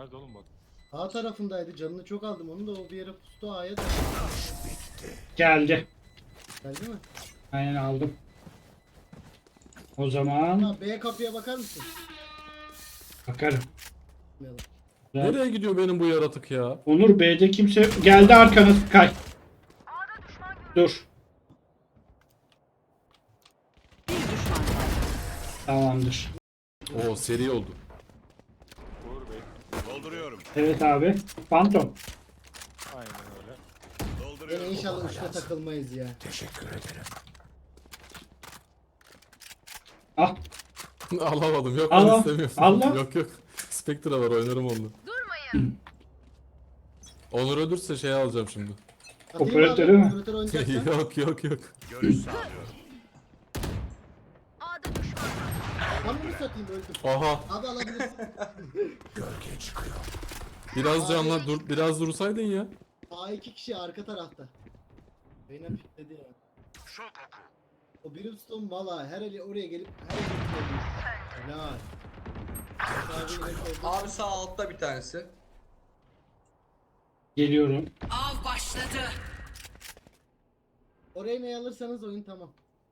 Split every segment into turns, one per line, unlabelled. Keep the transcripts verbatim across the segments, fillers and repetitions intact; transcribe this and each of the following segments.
Nerede oğlum bak?
A tarafındaydı. Canını çok aldım. Onu da o bir yere pustu A'ya da.
Geldi.
Geldi mi?
Aynen aldım. O zaman
Ha, B kapıya bakar mısın?
bakarım.
Bakmayalım.
Güzel.
Nereye gidiyor benim bu yaratık ya?
Onur B'de kimse geldi arkana kay. Dur.
Bir düşman kaldı.
Tamamdır.
Oo seri oldu.
Uğur Bey.
Dolduruyorum.
Evet abi. Phantom.
Aynen öyle.
Yine
Dolduruyorum.
inşallah uçta takılmayız ya.
Ah.
Alamadım. Yok
Allah,
ben istemiyorum.
Allah.
Yok yok. Spectre var, oynarım onu. Durmayın. Onur ölürse şey alacağım şimdi.
Atayım
Operatörü
abi,
mü?
Operatör oynayacaksan.
yok yok yok.
Görüş sağlıyorum.
Ben bunu satayım öldüm.
Aha.
Abi alabilirsin.
Biraz canla dur, biraz dursaydın ya.
A iki kişi arka tarafta. Beyne pikledi ya. O Brimstone valla her eli oraya gelip her eli pikledi. Helal. Abi, yine solda.
Abi sağ altta bir tanesi.
Geliyorum.
Av başladı.
Orayı ne alırsanız oyun tamam.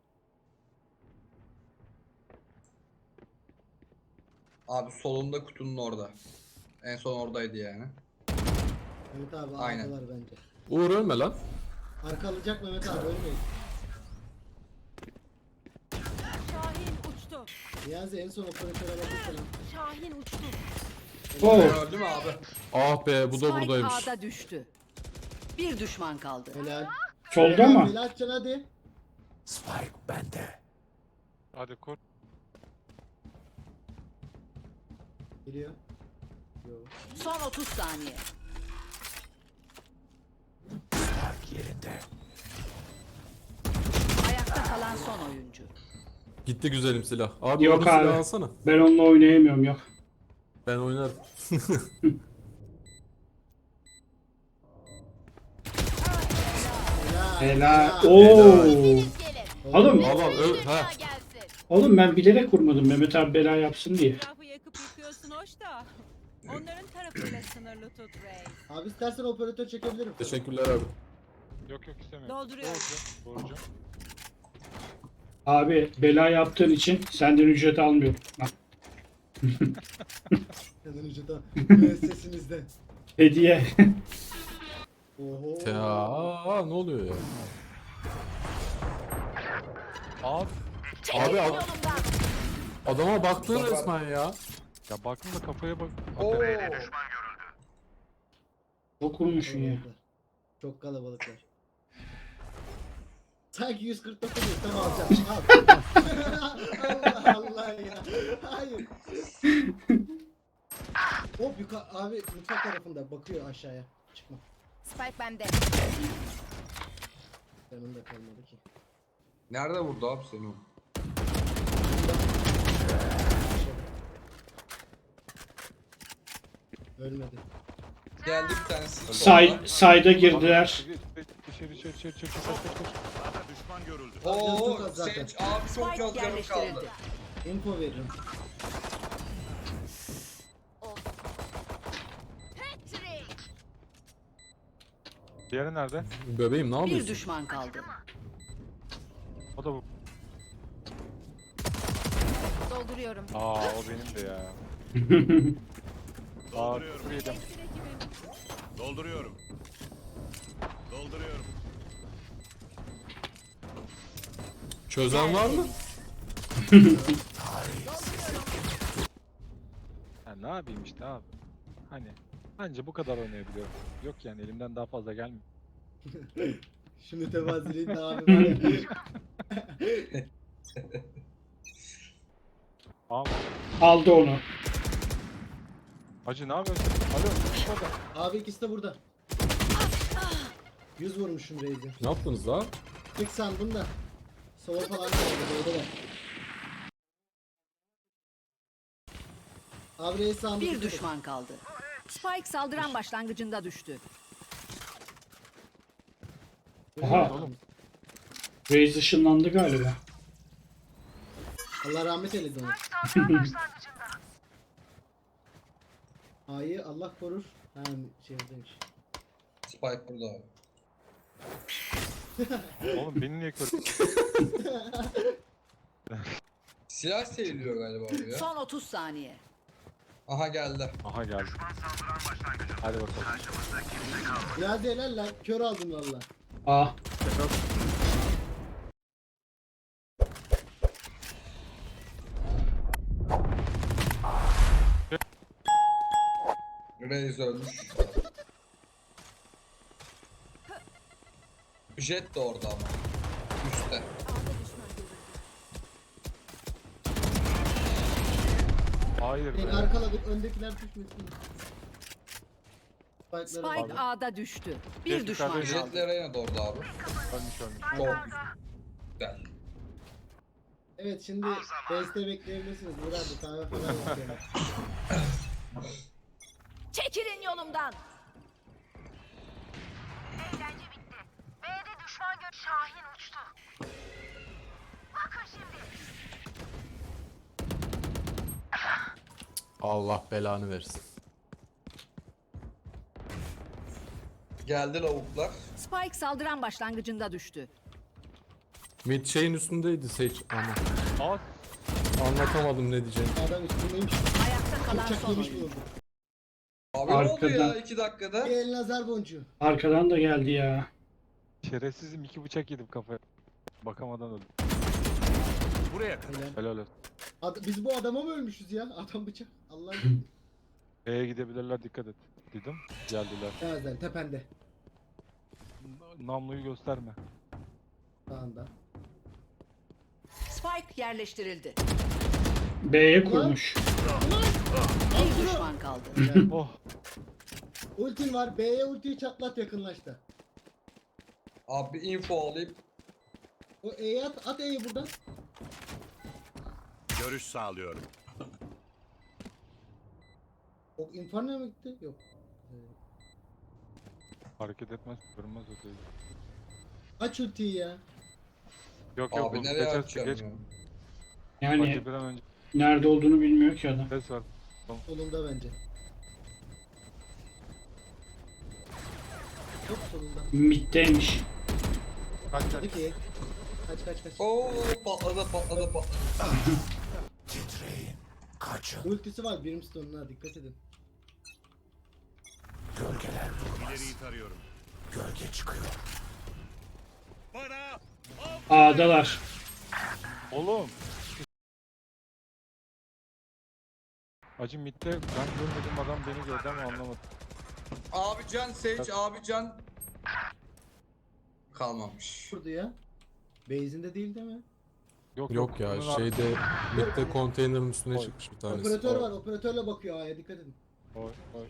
Abi solunda kutunun orada. En son oradaydı yani.
Mehmet abi
Aynen.
arkalar bence.
Uğur ölme lan.
Arka alacak Mehmet abi ölmeyin.
Şahin uçtu.
Niyazi en son operatöre bakırsan.
Şahin uçtu.
Oo.
Öldü mü abi?
Ah be bu da
Spike
buradaymış.
A'da düştü. Bir düşman kaldı.
Helal.
Solda mı?
Helal açacaksın hadi.
Hadi kur.
Geliyor. Yo.
Son otuz saniye. Ayakta kalan son oyuncu.
Gitti güzelim silah. Abi
Yok
onu silah
abi.
alsana.
Ben onunla oynayamıyorum yok.
Ben oynarım.
Helal.
Helal.
Oo. Oğlum,
Al al öl. Ha.
oğlum ben bilerek vurmadım Mehmet abi bela yapsın diye.
Etrafı yakıp yıkıyorsun hoş da. Onların tarafıyla sınırlı tut Ray.
Abi istersen operatör çekebilirim.
Teşekkürler abi.
Yok yok istemiyorum.
Dolduruyorum.
Borcu. Borcu.
Abi bela yaptığın için senden ücret almıyorum. Bak,
Hemen ucuda müessesimizde.
hediye.
Oho.
Ya aa, ne oluyor ya?
Abi.
Abi ad- adama baktın resmen ya.
Ya baktım da kafaya bak.
Oo.
Çok vurmuşsun ya.
Kalabalıklar. Çok kalabalıklar. Sanki yüz kırk dokuz tam alacağım. Al. Allah Allah ya. Hayır. Hop yukarı abi mutfak tarafında bakıyor aşağıya. Çıkma.
Spike bende.
Yanında kalmadı ki.
Nerede vurdu abi seni o?
Ölmedi.
Geldi bir tanesi.
Say, sayda girdiler.
İçeri içeri içeri içeri içeri koş koş koş.
A'da düşman görüldü.
Oo,
Çok az zaten.
Sage abi çok
Spike
az canım
yerleştirildi.
kaldı.
Info veririm.
Diğeri nerede?
Bebeğim ne
Bir
yapıyorsun?
düşman kaldı.
O da bu.
Dolduruyorum.
Aa o benim de ya. Aa
Dolduruyorum.
küfür yedim.
Dolduruyorum. Dolduruyorum.
Çözen var mı?
Ya ne yapayım işte abi. Hani anca bu kadar oynayabiliyorum. Yok yani elimden daha fazla gelmiyor.
Şu mütevaziliğin de abi var ya.
Abi
Aldı onu.
hacı ne yapıyorsun? Alo burada.
Abi ikisi de burada. yüz vurmuşum Reis'i.
Ne yaptınız daha?
Tık sandım da. Sola falan da oldu. Doğru da. Abi Reis sandım.
Bir düşman kaldı. Spike saldıran başlangıcında düştü.
Aha. Raze ışınlandı galiba.
Allah rahmet eylesin onu. A'yı Allah korur. Ha şey demiş.
Spike burada abi.
Oğlum beni niye kör?
Silah seviliyor galiba abi ya.
Son otuz saniye.
Aha geldi.
Aha geldi. Hadi bakalım.
Ya helal lan. Kör aldım valla.
A.
Reis ölmüş. Jet de orada ama. Üstte.
Hayır
Beni
be.
arkaladık. Öndekiler düşmesin. Spike'ları
Spike A'da düştü. Bir
Geç
düşman
yukarıda
kaldı.
Jetle Reyna da orada abi.
Ölmüş ölmüş.
Çok güzel.
Evet şimdi base'te bekleyebilirsiniz. Uğur abi kahve falan yapıyorlar.
Çekilin yolumdan.
Eğlence bitti. B'de düşman gö Şahin uçtu. Bakın şimdi.
Allah belanı versin.
Geldi lavuklar.
Spike saldıran başlangıcında düştü.
Mid şeyin üstündeydi Sage ama
At.
anlatamadım ne diyeceğimi.
Adam üstündeymiş.
Ayakta kalan
Bıçak
son
yemiş
oyuncu.
bulundu.
Abi ne oldu
Arkadan.
ya iki dakikada?
Bir el nazar boncuğu.
Arkadan da geldi ya.
Şerefsizim iki bıçak yedim kafaya. Bakamadan öldüm.
Buraya kadar.
Helal.
Helal olsun.
Ad- biz bu adama mı ölmüşüz ya? Adam bıçak. Allah'ım.
B'ye gidebilirler dikkat et. Dedim. Geldiler.
Nereden? Tepende.
Namluyu gösterme.
Sağında.
Spike yerleştirildi.
B'ye kurmuş.
Bir düşman kaldı.
Helal.
Oh.
Ultin var. B'ye ultiyi çatlat yakınlaştı.
Abi info alayım.
O E'yi at. At E'yi buradan.
Görüş sağlıyorum.
O Inferno'ya mı gitti? Yok.
Hareket etmez. Görünmez o değil.
Aç ultiyi ya.
Yok yok.
Abi
bu
nereye
geç-
atacağım
geç-
ya?
Yani
Hadi bir an önce
nerede olduğunu bilmiyor ki adam.
ses var.
Solunda bence. Çok solunda.
Mid'deymiş.
Kaç kaç.
Hadi ki. Kaç kaç kaç.
Oo patladı patladı patladı.
Ultisi var Brimstone'un ha dikkat edin.
İleriyi tarıyorum. Bana
A'dalar.
Oğlum. Acı midde ben görmedim adam beni gördü ama anlamadım.
Abi can Sage abi can. Kalmamış.
Vurdu ya. Base'inde değil değil mi?
Yok
Yok ya
bunun ar-
şeyde midde konteynerin üstüne
Oy.
çıkmış bir tanesi.
Operatör var. Operatörle bakıyor A'ya dikkat edin.
Oy, oy.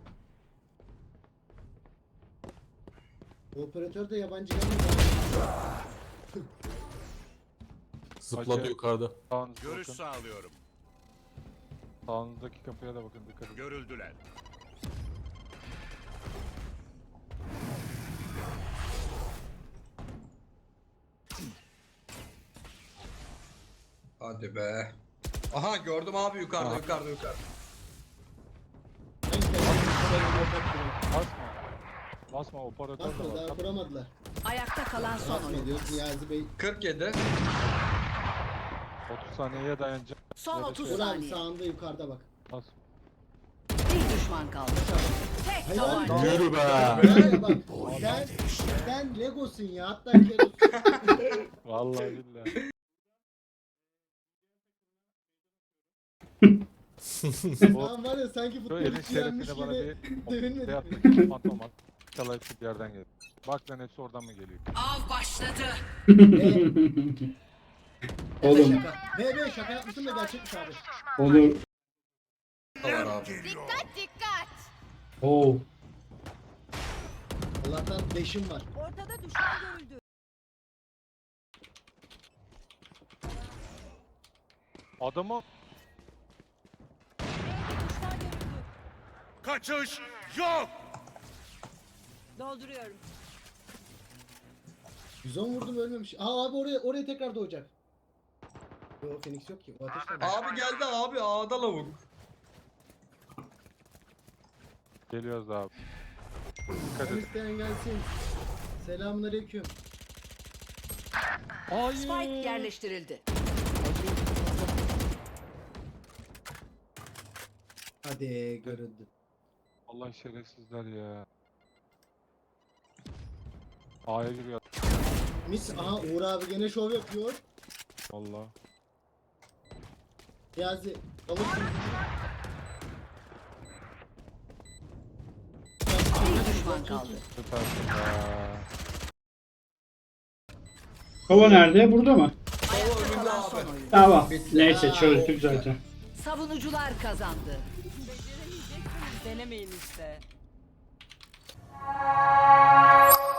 Operatör de yabancı gelmiyor.
Zıpladı
Acayip.
yukarıda.
Sağınıza
görüş
bakın.
sağlıyorum.
Sağınızdaki kapıya da bakın dikkat edin.
Görüldüler.
Hadi be. Aha gördüm abi yukarıda
Aha.
yukarıda yukarıda.
Ben kendim
Basma. Basma operatör de
Basma
var.
daha
Kap-
kuramadılar.
Ayakta kalan son
Basma
oyuncu.
diyor Niyazi Bey.
kırk yedi.
otuz saniyeye dayanacak.
Son
Ya da
otuz
şey-
Uğur abi
saniye.
sağında yukarıda bak.
Bas.
Bir düşman kaldı. Tek
Hayır,
tabanca.
hayır.
Yürü be.
Ya bak sen, sen Legosun ya hatta Keros.
Vallahi billahi. O
Lan var ya sanki
şu
futbol
elin
yenmiş
şerefine bana
gibi
bir
dövünmedik
şey
mi?
yaptı. Fantom at. İnşallah hepsi bir yerden gelir. Bak lan hepsi oradan mı geliyor?
Av başladı.
Oğlum
Şaka. B B şaka yapmışsın da gerçekmiş abi.
olur.
Var abi.
Dikkat dikkat.
Oo.
Allah'tan leşim var.
Ortada düşman görüldü.
Adamı
B'de düşman görüldü.
Kaçış yok.
Dolduruyorum.
yüz on vurdum ölmemiş. Aa abi oraya oraya tekrar doğacak. Yo Phoenix yok ki. O ateşten.
Abi geldi abi A'da lavuk.
Geliyoruz abi. Dikkat
Sen
edin.
isteyen gelsin. Selamünaleyküm.
Hayır.
Spike yerleştirildi.
Hadi görüldü.
Allah şerefsizler ya. A'ya giriyor.
Mis, aha Uğur abi gene şov yapıyor.
Valla.
Niyazi alırsın.
Bir düşman kaldı.
Süpersin ya.
Kova nerede? Burada mı?
Solo önünde
Kalan
abi.
son oyun.
Tamam.
Bitti.
Neyse
Ha,
çözdük
çok
zaten.
Savunucular kazandı.
Beceremeyeceksiniz denemeyin işte.